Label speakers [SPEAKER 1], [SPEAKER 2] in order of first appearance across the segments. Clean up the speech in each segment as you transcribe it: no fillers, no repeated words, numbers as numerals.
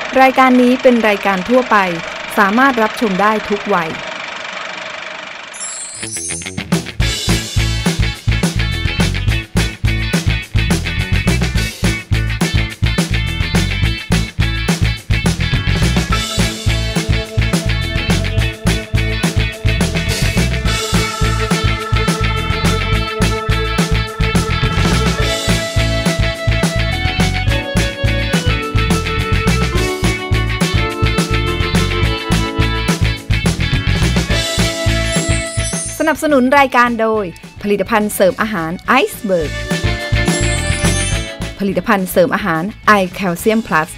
[SPEAKER 1] รายการนี้เป็นรายการทั่วไปสามารถรับชมได้ทุกวัยสนับสนุนรายการโดยผลิตภัณฑ์เสริมอาหารไอซ์เบิร์กผลิตภัณฑ์เสริมอาหารไอแคลเซียมพลัส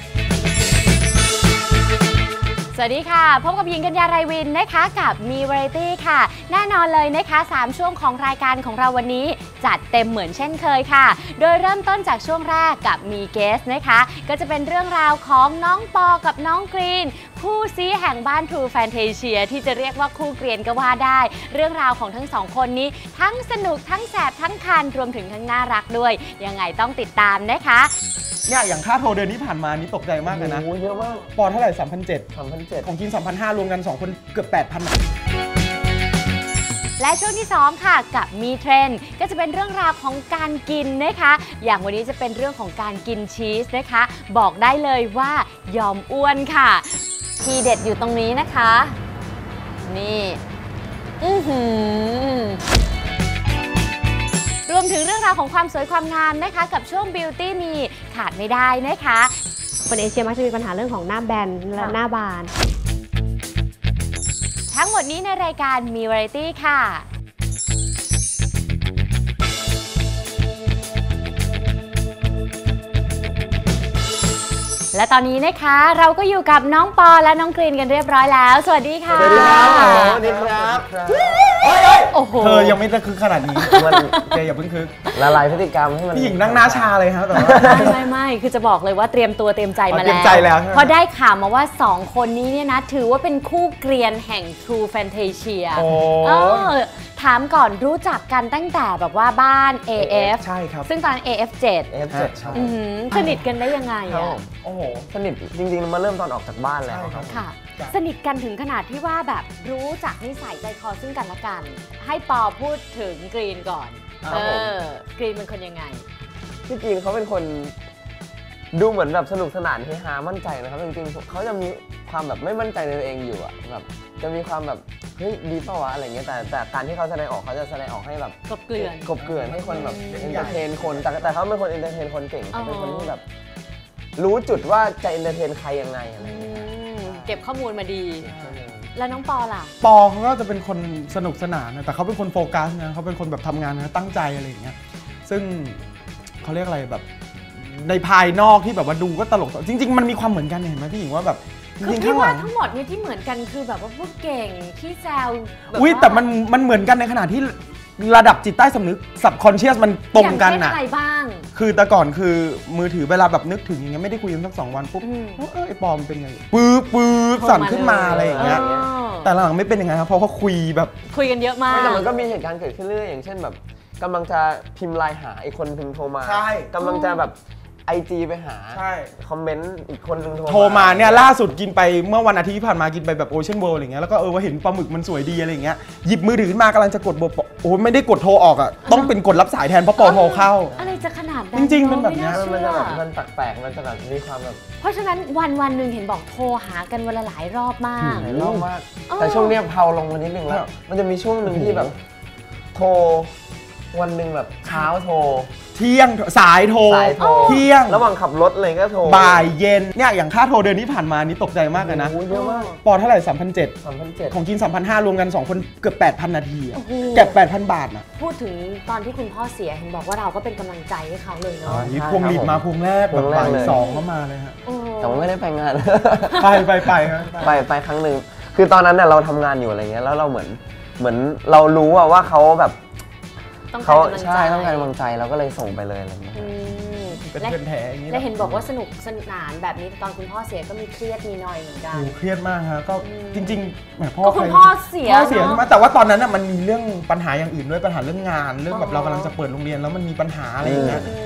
[SPEAKER 2] สวัสดีค่ะพบกับหญิงกัญญาไรวินนะคะกับมีวาไรตี้ค่ะแน่นอนเลยนะคะ3ช่วงของรายการของเราวันนี้จัดเต็มเหมือนเช่นเคยค่ะโดยเริ่มต้นจากช่วงแรกกับมีเกสนะคะก็จะเป็นเรื่องราวของน้องปอกับน้องกรีนคู่ซีแห่งบ้าน True Fantasia ที่จะเรียกว่าคู่เกรียนก็ว่าได้เรื่องราวของทั้งสองคนนี้ทั้งสนุกทั้งแสบทั้งคันรวมถึงทั้งน่ารักด้วยยังไงต้องติดตามนะคะ
[SPEAKER 3] เนี่ยอย่างค่าโทรเดือนที่ผ่านมานี่ตกใจมากเลยนะ
[SPEAKER 4] เยอะมาก
[SPEAKER 3] ปอเท่าไหร่ 3,700 ของกิน 3,500 รวมกัน2คนเกือบ 8,000
[SPEAKER 2] และช่วงที่2ค่ะกับมีเทรนด์ก็จะเป็นเรื่องราวของการกินนะคะอย่างวันนี้จะเป็นเรื่องของการกินชีสนะคะบอกได้เลยว่ายอมอ้วนค่ะทีเด็ดอยู่ตรงนี้นะคะนี่รวมถึงเรื่องราวของความสวยความงามนะคะกับช่วง Beauty มีขาดไม่ได้นะคะ
[SPEAKER 5] คนเอเชียมักจะมีปัญหาเรื่องของหน้าแบนและหน้าบาน
[SPEAKER 2] ทั้งหมดนี้ในรายการมีวาไรตี้ค่ะและตอนนี้นะคะเราก็อยู่กับน้องปอและน้องกรีนกันเรียบร้อยแล้วสวัสดีค่ะ
[SPEAKER 4] สวัสดีครับสวัสดีครับ
[SPEAKER 2] โอ้โห
[SPEAKER 3] เธอยังไม่ตะคึกขนาดนี้แกอย่าเพิ่งคึก
[SPEAKER 4] ละลายพฤติกรรมให้มัน
[SPEAKER 3] พี่หญิงนั่งหน้าชาเลยครับแต่ว่า
[SPEAKER 2] ไม่คือจะบอกเลยว่าเตรียมตัวเตรียมใจมา
[SPEAKER 3] แล้ว
[SPEAKER 2] เพราะได้ข่าวมาว่า2คนนี้เนี่ยนะถือว่าเป็นคู่เกรียนแห่ง True Fantasia ถามก่อนรู้จักกันตั้งแต่แบบว่าบ้าน AF
[SPEAKER 3] ใช่ครับ
[SPEAKER 2] ซึ่งตอน AF7
[SPEAKER 4] ใช่
[SPEAKER 2] สนิทกันได้ยังไงอ่ะ
[SPEAKER 4] โอ้โหสนิทจริงๆมาเริ่มตอนออกจากบ้านแล้วครับ
[SPEAKER 2] ค่ะสนิทกันถึงขนาดที่ว่าแบบรู้จักนิสัยใจคอซึ่งกันและกันให้ปอพูดถึงกรีนก่อนกรีนเป็นคนยังไง
[SPEAKER 4] พี่กรีนเขาเป็นคนดูเหมือนแบบสนุกสนานเฮฮามั่นใจนะครับจริงๆเขาจะมีความแบบไม่มั่นใจในตัวเองอยู่อะแบบจะมีความแบบเฮ้ยดีเปล่าวะอะไรเงี้ยแต่การที่เขาแสดงออกเขาจะแสดงออกให้แบบ
[SPEAKER 2] กบเกลื่อน
[SPEAKER 4] ให้คนแบบเอนเตอร์เทนคนแต่เขาเป็นคนเอนเตอร์เทนคนเก่งเป็นคนที่แบบรู้จุดว่าจะเอนเตอร์เทนใครยังไงอะไรเงี้ย
[SPEAKER 2] เก็บข้อมูลมาดีแล้วน้องปอล่ะ
[SPEAKER 3] ปอเขาก็จะเป็นคนสนุกสนานนะแต่เขาเป็นคนโฟกัสนะเขาเป็นคนแบบทำงานนะตั้งใจอะไรอย่างเงี้ยซึ่งเขาเรียกอะไรแบบในภายนอกที่แบบว่าดูก็ตลกจริงๆมันมีความเหมือนกันเห็นไหมพี่หญิงว่าแบบ
[SPEAKER 2] คือพี่ว่าทั้งหมดเนี่ยที่เหมือนกันคือแบบว่าพวกเก่งขี้แซว
[SPEAKER 3] อุ้ยแต่มันเหมือนกันในขณะที่ระดับจิตใต้สำนึก subconscious มันตรงกันนะ
[SPEAKER 2] อะไรบ้าง
[SPEAKER 3] คือแต่ก่อนคือมือถือเวลาแบบนึกถึงอย่างเงี้ยไม่ได้คุยกันสัก2 วันปุ๊บไอ้ปอมเป็นไงปื๊บสั่นขึ้นมาอะไรอย่างเงี้ยแต่หลังไม่เป็นยังไงครับเพราะเขาคุย
[SPEAKER 2] กันเยอะมาก
[SPEAKER 4] แต่มันก็มีเหตุการณ์เกิดขึ้นเรื่อยอย่างเช่นแบบกำลังจะพิมพ์ไลน์หาอีกคนนึงโทรมากำลังจะแบบIG ไปหาคอมเมนต์อีกคนนึง
[SPEAKER 3] โทรมาเนี่ยล่าสุดกินไปเมื่อวันอาทิตย์ที่ผ่านมากินไปแบบโอเชียนเวิลด์อะไรเงี้ยแล้วก็ว่าเห็นปลาหมึกมันสวยดีอะไรเงี้ยหยิบมือถือขึ้นมากำลังจะกดโอ้ไม่ได้กดโทรออกอ่ะต้องเป็นกดรับสายแทนเพราะปอโทรเข้า
[SPEAKER 2] อะไรจะขนาดนั้น
[SPEAKER 3] จริงๆเป็นแบบนี้
[SPEAKER 4] มันจะแบบมันแปลกๆมันจะแบบมีความแบบ
[SPEAKER 2] เพราะฉะนั้นวันหนึ่งเห็นบอกโทรหากันวันละหลายรอบมาก
[SPEAKER 4] หลายรอบมากแต่ช่วงนี้เผาลงมานิดนึงแล้วมันจะมีช่วงหนึ่งที่แบบโทรวันหนึ่งแบบเช้าโทร
[SPEAKER 3] เที่ยงสายโทรเที่ยง
[SPEAKER 4] ระหว่างขับรถอะไรก็โทร
[SPEAKER 3] บ่ายเย็นเนี่ยอย่างค่าโทรเดือนที่ผ่านมานี่ตกใจมากเลยนะ
[SPEAKER 4] เยอะมาก
[SPEAKER 3] ปอเท่าไหร่ 3,700 ของกิน 3,500 รวมกัน2คนเกือบ 8,000 นาทีเก็บ 8,000 บาทนะ
[SPEAKER 2] พูดถึงตอนที่คุณพ่อเสียเห็นบอกว่าเราก็เป็นกำลังใจให้เขาเลยเนาะ
[SPEAKER 3] นี่พวงหลีดมาพวงแรกแบบบ่าย2เข้ามาเลยฮะ
[SPEAKER 4] แต่ว่าไม่ได้ไปงาน
[SPEAKER 3] ไป
[SPEAKER 4] ครั้งหนึ่งคือตอนนั้นเนี่ยเราทำงานอยู่อะไรเงี้ยแล้วเราเหมือนเรารู้ว่าเขาแบบเขาใช่ต้องการกำลังใจเราก็เลยส่งไปเลยอะไรเงี้ย
[SPEAKER 3] เป็นเพื่อนแท้อย่างนี้
[SPEAKER 2] และเห็นบอกว่าสนุกสนานแบบนี้ตอนคุณพ่อเสียก็มีเครียดมีหน่อยเหมือนกัน
[SPEAKER 3] เครียดมากฮะก็จริงๆแหม
[SPEAKER 2] คุณพ่อเสีย
[SPEAKER 3] มาแต่ว่าตอนนั้นมันมีเรื่องปัญหาอย่างอื่นด้วยปัญหาเรื่องงานเรื่องแบบเรากำลังจะเปิดโรงเรียนแล้วมันมีปัญหาอะไรอย่างเงี้ยโ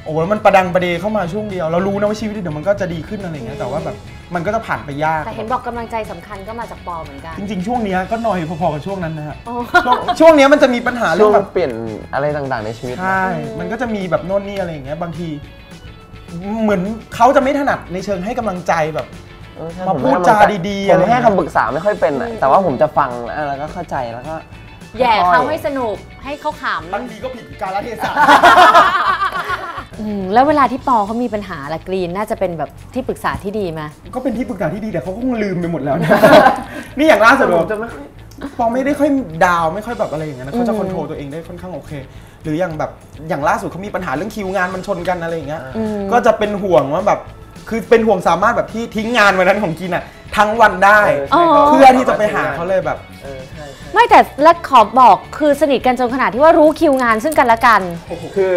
[SPEAKER 3] โอ้แล้วมันประดังประเดเข้ามาช่วงเดียวเรารู้นะว่าชีวิตเดี๋ยวมันก็จะดีขึ้นอะไรเงี้ยแต่ว่าแบบมันก็จะผ่านไปยาก
[SPEAKER 2] แต่เห็นบอกกำลังใจสำคัญก็มาจากปอเหมือนกัน
[SPEAKER 3] จริงๆช่วงนี้ก็หน่อยพอๆกับช่วงนั้นนะฮะช่วงนี้มันจะมีปัญหาเรื่องแบบ
[SPEAKER 4] เปลี่ยนอะไรต่างๆในชีวิต
[SPEAKER 3] ใช่มันก็จะมีแบบโน่นนี่อะไรอย่างเงี้ยบางทีเหมือนเขาจะไม่ถนัดในเชิงให้กำลังใจแบบมาพูดจาดีๆ
[SPEAKER 4] ผมให้คำปรึกษาไม่ค่อยเป็นแต่ว่าผมจะฟังแล้วก็เข้าใจแล้วก็
[SPEAKER 2] แย่เขาให้สนุกให้เขาขำ
[SPEAKER 3] บางทีก็ผิดกาลเทศะ
[SPEAKER 2] แล้วเวลาที่ปอเขามีปัญหาละกรีนน่าจะเป็นแบบที่ปรึกษาที่ดีไหม
[SPEAKER 3] ก็เป็นที่ปรึกษาที่ดีแต่เขาคงลืมไปหมดแล้วนะนี่อย่างล่าสุดปอไม่ได้ค่อยดาวไม่ค่อยแบบอะไรอย่างเงี้ยเขาจะคอนโทรลตัวเองได้ค่อนข้างโอเคหรืออย่างล่าสุดเขามีปัญหาเรื่องคิวงานมันชนกันอะไรอย่างเงี้ยก็จะเป็นห่วงว่าแบบคือเป็นห่วงสามารถแบบที่ทิ้งงานวันนั้นของกินอ่ะทั้งวันได้เพื่อที่จะไปหาเขาเลยแบบ
[SPEAKER 2] ไม่แต่และขอบอกคือสนิทกันจนขนาดที่ว่ารู้คิวงานซึ่งกันและกัน
[SPEAKER 4] คือ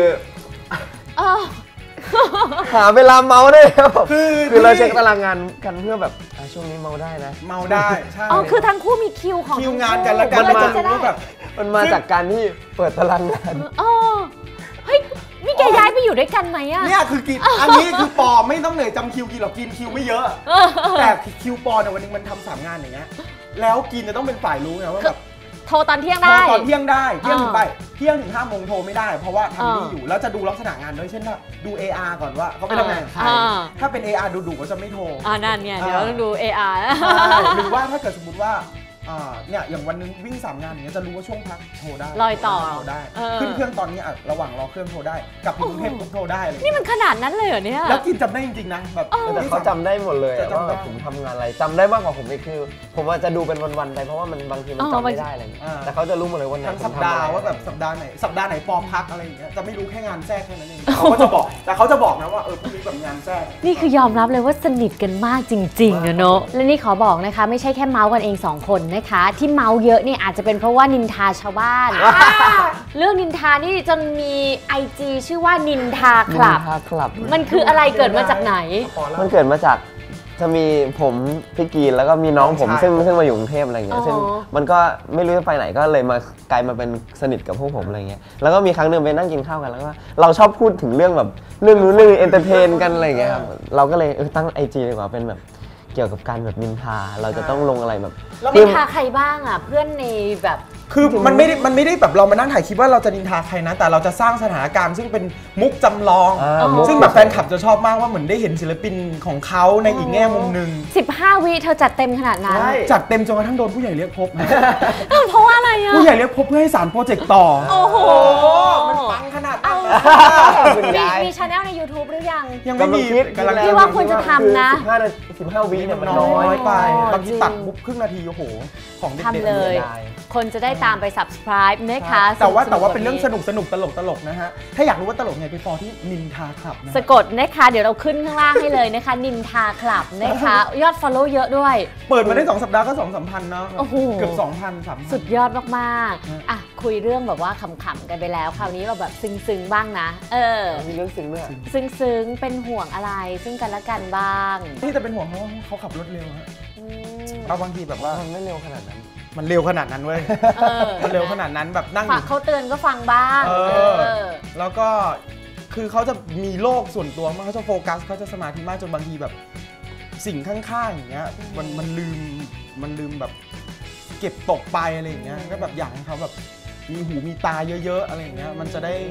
[SPEAKER 4] หาเวลาเมาได้ครับคือเราเช็คตารางงานกันเพื่อแบบช่วงนี้เมาได้นะ
[SPEAKER 3] เมาได้ใช่
[SPEAKER 2] คือทั้งคู่มีคิวของ
[SPEAKER 3] คิวงานกันแล้วกัน
[SPEAKER 4] มันมาจากการที่เปิดตารางงาน
[SPEAKER 2] เฮ้ยนี่แกย้ายไปอยู่ด้วยกันไหมอะ
[SPEAKER 3] เนี่ยคือกินอันนี้คือปอไม่ต้องเหนื่อยจำคิวกินหรอกกินคิวไม่เยอะแต่คิวปอเนี่ยวันนึงมันทำ3 งานอย่างเงี้ยแล้วกินจะต้องเป็นฝ่ายรู้ไงว่าแบบ
[SPEAKER 2] โทรตอนเที่ยงได้
[SPEAKER 3] โทรตอนเที่ยงได้เที่ยงถึงไปเที่ยงถึง5 โมงโทรไม่ได้เพราะว่าทำนี่อยู่แล้วจะดูลักษณะงานด้วยเช่นว่าดู AR ก่อนว่าเขาไปทำงานใครถ้าเป็น AR ดูก็จะไม่โทร
[SPEAKER 2] นั่นไงเดี๋ยวต้องดู AR
[SPEAKER 3] หรือว่าถ้าเกิดสมมติว่าเนี่ยอย่างวันนึงวิ่ง3 งานอย่างเงี้ยจะรู้ว่าช่วงพักโทรได้
[SPEAKER 2] ลอยต่อ
[SPEAKER 3] โทรได้ขึ้นเครื่องตอนนี้ระหว่างรอเครื่องโทรได้กลับกรุงเทพโทรได้เลย
[SPEAKER 2] นี่มันขนาดนั้นเลยเหรอเนี่ย
[SPEAKER 3] แล้วกินจำได้จริงๆนะแบบ
[SPEAKER 4] แต่เขาจำได้หมดเลยว่าแบบผมทำงานอะไรจำได้มากกว่าผมอีกคือผมว่าจะดูเป็นวันๆไปเพราะว่ามันบางทีมันจำไม่ได้อะไรแต่เขาจะรู้หมดเลยวันไหน
[SPEAKER 3] สัปดาห์ว่าแบบสัปดาห์ไหนปอมพักอะไรอย่างเงี้ยจะไม่รู้แค่งานแทรกแค่นั้นเองเขาก็จะบอกแต่เขาจะบอกนะว่าพรุ่งนี้แบบงานแทรก
[SPEAKER 2] นี่คือยอมรับเลยว่าสนิทกันมากจริงๆเนอะและนี่ขอบอกนะคะไม่ใช่แค่เมาส์กันเอง2 คนนะคะที่เมาส์เยอะนี่อาจจะเป็นเพราะว่านินทาชาวบ้านเรื่องนินทานี่จนมี IG ชื่อว่านินทาคลับมันคืออะไรเกิดมาจากไหน
[SPEAKER 4] มันเกิดมาจากจะมีผมพี่กีนแล้วก็มีน้องผมซึ่งมาอยู่กรุงเทพอะไรเงี้ยซึ่งมันก็ไม่รู้จะไปไหนก็เลยมากลายมาเป็นสนิทกับพวกผมอะไรเงี้ยแล้วก็มีครั้งนึงไปนั่งกินข้าวกันแล้วก็เราชอบพูดถึงเรื่องแบบเรื่องนู้นเรื่องเอนเตอร์เทนกันอะไรเงี้ยครับเราก็เลยตั้ง IG ดีกว่าเป็นแบบเกี่ยวกับการแบบนินทาเราจะต้องลงอะไรแบบ
[SPEAKER 2] นินทาใครบ้างอ่ะเพื่อนในแบบ
[SPEAKER 3] คือมันไม่ได้แบบเรามานั่งถ่ายคลิปว่าเราจะนินทาใครนะแต่เราจะสร้างสถานการณ์ซึ่งเป็นมุกจำลองซึ่งแบบแฟนคลับจะชอบมากว่าเหมือนได้เห็นศิลปินของเขาในอีกแง่มุมนึง
[SPEAKER 2] 15 วิเธอจัดเต็มขนาดนั้น
[SPEAKER 3] จัดเต็มจนกระทั่งโดนผู้ใหญ่เรียกพบ
[SPEAKER 2] เพราะว่าอะไรอ่ะ
[SPEAKER 3] ผู้ใหญ่เรียกพบเพื่อให้สารโปรเจกต์ต่อ
[SPEAKER 2] โอ้โห
[SPEAKER 3] มันปังขนาดนั้น
[SPEAKER 2] มีชาแนลใน YouTube หรือ
[SPEAKER 3] ยังไม่มี
[SPEAKER 2] ที่ว่าควรจะทำนะ
[SPEAKER 4] 15 วิเนี่ยมัน
[SPEAKER 3] น้อยไปบางทีตัดบุ๊บครึ่งนาทีโอ้โหของเด็กๆ
[SPEAKER 2] เลยคนจะได้ตามไป subscribe นะคะ
[SPEAKER 3] แต่ว่าเป็นเรื่องสนุกตลกนะฮะถ้าอยากรู้ว่าตลกไงไปฟอที่นินทาคลับนะ
[SPEAKER 2] สะกดนะคะเดี๋ยวเราขึ้นข้างล่างให้เลยนะคะนินทาคลับนะคะยอด follow เยอะด้วย
[SPEAKER 3] เปิดมาได้2 สัปดาห์ก็ 2-3 พันเนาะเกือบ 2,000 3,000
[SPEAKER 2] สุดยอดมากๆอ่ะคุยเรื่องแบบว่าขำๆกันไปแล้วคราวนี้เราแบบซึ้งๆบ้างนะ
[SPEAKER 4] มีเรื่องซึ้งด้วย
[SPEAKER 2] ซึ้งเป็นห่วงอะไรซึ่งกันและกันบ้าง
[SPEAKER 3] ที่จะเป็นห่วงเขาขับรถเร็วฮะเอาบางทีแบบว่า
[SPEAKER 4] มันไม่เร็วขนาดนั้น
[SPEAKER 3] มันเร็วขนาดนั้นเว้ยมันเร็วขนาดนั้นแบบนั่ง
[SPEAKER 2] เขาเตือนก็ฟังบ้าง
[SPEAKER 3] แล้วก็คือเขาจะมีโลกส่วนตัวมากเขาจะโฟกัสเขาจะสมาธิมากจนบางทีแบบสิ่งข้างๆอย่างเงี้ยมันลืมแบบเก็บตกไปอะไรอย่างเงี้ยก็แบบอยากให้เขาแบบมีหูมีตาเยอะๆอะไรอย่างเงี้ยมันจะได้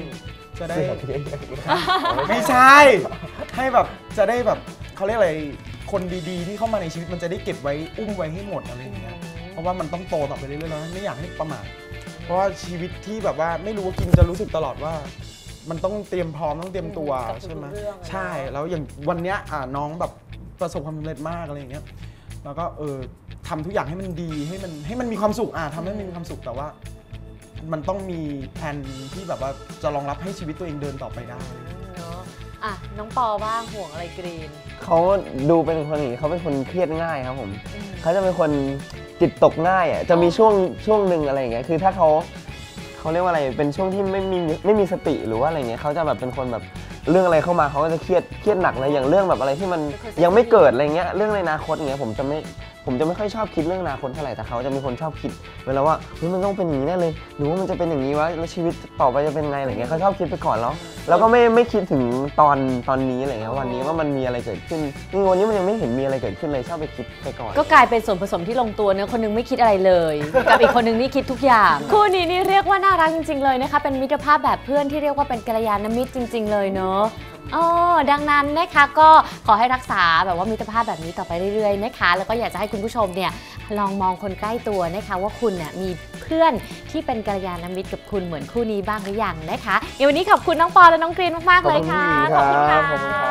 [SPEAKER 3] ไม่ใช่ให้แบบจะได้แบบเขาเรียกอะไรคนดีๆที่เข้ามาในชีวิตมันจะได้เก็บไว้อุ้มไว้ให้หมดอะไรอย่างเงี้ยเพราะว่ามันต้องโตต่อไปเรื่อยๆแล้วไม่อยากให้ประมาทเพราะว่าชีวิตที่แบบว่าไม่รู้ว่ากินจะรู้สึกตลอดว่ามันต้องเตรียมพร้อมต้องเตรียมตัวใช่ไหมใช่แล้วอย่างวันเนี้ยน้องแบบประสบความสำเร็จมากอะไรอย่างเงี้ยแล้วก็ทำทุกอย่างให้มันดีให้มันมีความสุขทำให้มันมีความสุขแต่ว่ามันต้องมีแผนที่แบบว่าจะรองรับให้ชีวิตตัวเองเดินต่อไปได้
[SPEAKER 2] น้องปอบ้างห่วงอะไรกรีน
[SPEAKER 4] เขาดูเป็นคนอย่างนี้เขาเป็นคนเครียดง่ายครับผมเขาจะเป็นคนจิตตกง่ายจะมีช่วงหนึ่งอะไรอย่างเงี้ยคือถ้าเขาเรียกว่าอะไรเป็นช่วงที่ไม่มีสติหรือว่าอะไรเงี้ยเขาจะแบบเป็นคนแบบเรื่องอะไรเข้ามาเขาก็จะเครียดหนักเลยอย่างเรื่องแบบอะไรที่มันยังไม่เกิดอะไรเงี้ยเรื่องในอนาคตเงี้ยผมจะผมจะไม่ค่อยชอบคิดเรื่องอนาคตเท่าไหร่แต่เขาจะเป็นคนชอบคิดเวลาว่าเฮ้ยมันต้องเป็นอย่างนี้แน่เลยหรือว่ามันจะเป็นอย่างนี้วะแล้วชีวิตต่อไปจะเป็นไงอะไรเงี้ยเขาชอบคิดไปก่อนแล้วก็ไม่คิดถึงตอนนี้อะไรเงี้ยวันนี้ว่ามันมีอะไรเกิดขึ้นนี่วันนี้มันยังไม่เห็นมีอะไรเกิดขึ้นเลยชอบไปคิดไปก่อน
[SPEAKER 2] ก็กลายเป็นส่วนผสมที่ลงตัวเนื้อคนนึงไม่คิดอะไรเลยกับอีกคนนึงนี่คิดทุกอย่างคู่นี้นี่เรียกว่าน่ารักจริงๆเลยนะคะเป็นมิตรภาพแบบเพื่อนที่เรียกว่าเป็นกัลยาณมิตรจริงๆเลยเนาะดังนั้นนะคะก็ขอให้รักษาแบบว่ามิตรภาพแบบนี้ต่อไปเรื่อยๆนะคะแล้วก็อยากจะให้คุณผู้ชมเนี่ยลองมองคนใกล้ตัวนะคะว่าคุณเนี่ยมีเพื่อนที่เป็นกัลยาณมิตรกับคุณเหมือนคู่นี้บ้างหรือยังนะคะวันนี้ขอบคุณน้องปอและน้องกรีนมากๆเลยค่ะ
[SPEAKER 4] ขอบคุณค่ะ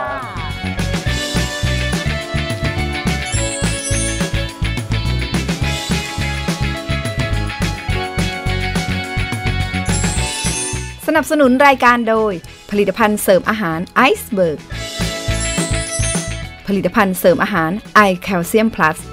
[SPEAKER 1] สนับสนุนรายการโดยผลิตภัณฑ์เสริมอาหารไอซ์เบิร์กผลิตภัณฑ์เสริมอาหารไอแคลเซียมพลัส